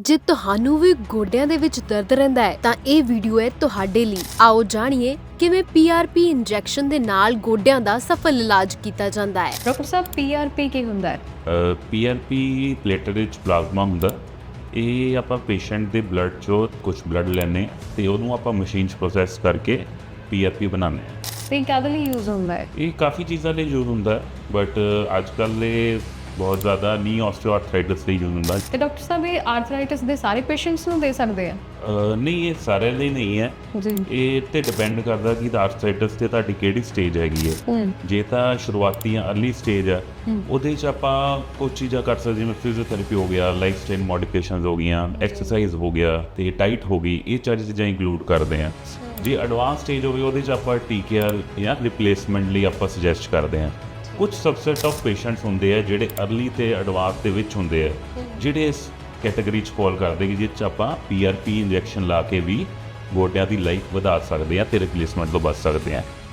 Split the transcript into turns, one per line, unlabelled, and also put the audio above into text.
ਜੇ ਤੁਹਾਨੂੰ ਵੀ ਗੋਡਿਆਂ ਦੇ ਵਿੱਚ ਦਰਦ ਰਹਿੰਦਾ ਹੈ ਤਾਂ ਇਹ ਵੀਡੀਓ ਹੈ ਤੁਹਾਡੇ ਲਈ। ਆਓ ਜਾਣੀਏ ਕਿਵੇਂ PRP ਇੰਜੈਕਸ਼ਨ ਦੇ ਨਾਲ ਗੋਡਿਆਂ ਦਾ ਸਫਲ ਇਲਾਜ ਕੀਤਾ ਜਾਂਦਾ ਹੈ।
ਡਾਕਟਰ ਸਾਹਿਬ PRP ਕੀ ਹੁੰਦਾ ਹੈ?
PRP ਪਲੇਟਲੇਟ ਰਿਚ ਪਲਾਜ਼ਮਾ ਹੁੰਦਾ। ਇਹ ਆਪਾਂ ਪੇਸ਼ੈਂਟ ਦੇ ਬਲੱਡ 'ਚੋਂ ਕੁਝ ਬਲੱਡ ਲੈਂਦੇ ਅਤੇ ਉਹਨੂੰ ਆਪਾਂ ਮਸ਼ੀਨ 'ਚ ਪ੍ਰੋਸੈਸ ਕਰਕੇ PRP ਬਣਾਉਂਦੇ ਹਾਂ।
ਤੇ ਕਾਹਦੇ ਲਈ ਯੂਜ਼ ਹੁੰਦਾ ਹੈ?
ਇਹ ਕਾਫੀ ਚੀਜ਼ਾਂ ਲਈ ਯੂਜ਼ ਹੁੰਦਾ, ਬਟ ਅੱਜ ਕੱਲ੍ਹ ਇਹ ਬਹੁਤ ਜ਼ਿਆਦਾ ਨੀ ਆਸਟੀਓਆਰਥਰਾਈਟਿਸ ਲਈ ਯੂਜ਼ ਹੁੰਦਾ।
ਤੇ ਡਾਕਟਰ ਸਾਹਿਬ ਇਹ ਆਰਥਰਾਈਟਿਸ ਦੇ ਸਾਰੇ ਪੇਸ਼ੈਂਟਸ ਨੂੰ ਦੇ ਸਕਦੇ ਆ?
ਨਹੀਂ, ਇਹ ਸਾਰਿਆਂ ਲਈ ਨਹੀਂ ਹੈ।
ਜੀ।
ਇਹ ਤੇ ਡਿਪੈਂਡ ਕਰਦਾ ਕਿ ਆਰਥਰਾਈਟਿਸ ਤੇ ਤੁਹਾਡੀ ਕਿਹੜੀ ਸਟੇਜ ਹੈਗੀ ਹੈ। ਜੇ ਤਾਂ ਸ਼ੁਰੂਆਤੀ ਜਾਂ ਅਰਲੀ ਸਟੇਜ ਆ, ਉਹਦੇ 'ਚ ਆਪਾਂ ਕੁਝ ਚੀਜ਼ਾਂ ਕਰ ਸਕਦੇ, ਜਿਵੇਂ ਫਿਜ਼ੀਓਥੈਰੇਪੀ ਹੋ ਗਿਆ, ਲਾਈਫ ਸਟਾਈਲ ਮੋਡੀਫਿਕੇਸ਼ਨਸ ਹੋ ਗਈਆਂ, ਐਕਸਰਸਾਈਜ਼ ਹੋ ਗਿਆ ਤੇ ਡਾਈਟ ਹੋ ਗਈ, ਇਹ ਚਾਰ ਚੀਜ਼ਾਂ ਇੰਕਲੂਡ ਕਰਦੇ ਹਾਂ। ਜੇ ਐਡਵਾਂਸ ਸਟੇਜ ਹੋਵੇ ਉਹਦੇ 'ਚ ਆਪਾਂ TKR ਜਾਂ ਰਿਪਲੇਸਮੈਂਟ ਲਈ ਆਪਾਂ ਸੁਜੈਸਟ ਕਰਦੇ ਹਾਂ। ਕੁਝ ਸਬਸੈਟ ਆਫ ਪੇਸ਼ੈਂਟਸ ਹੁੰਦੇ ਆ ਜਿਹੜੇ ਅਰਲੀ ਤੇ ਐਡਵਾਂਸ ਦੇ ਵਿੱਚ ਹੁੰਦੇ ਆ, ਜਿਹੜੇ ਇਸ ਕੈਟਾਗਰੀ 'ਚ ਫਾਲ ਕਰਦੇ ਕਿ ਜਿਸ 'ਚ ਆਪਾਂ PRP ਇੰਜੈਕਸ਼ਨ ਲਾ ਕੇ ਵੀ ਗੋਡਿਆਂ ਦੀ ਲਾਈਫ ਵਧਾ ਸਕਦੇ ਆ ਤੇ ਰਿਪਲੇਸਮੈਂਟ ਤੋਂ ਬਚ ਸਕਦੇ ਆ।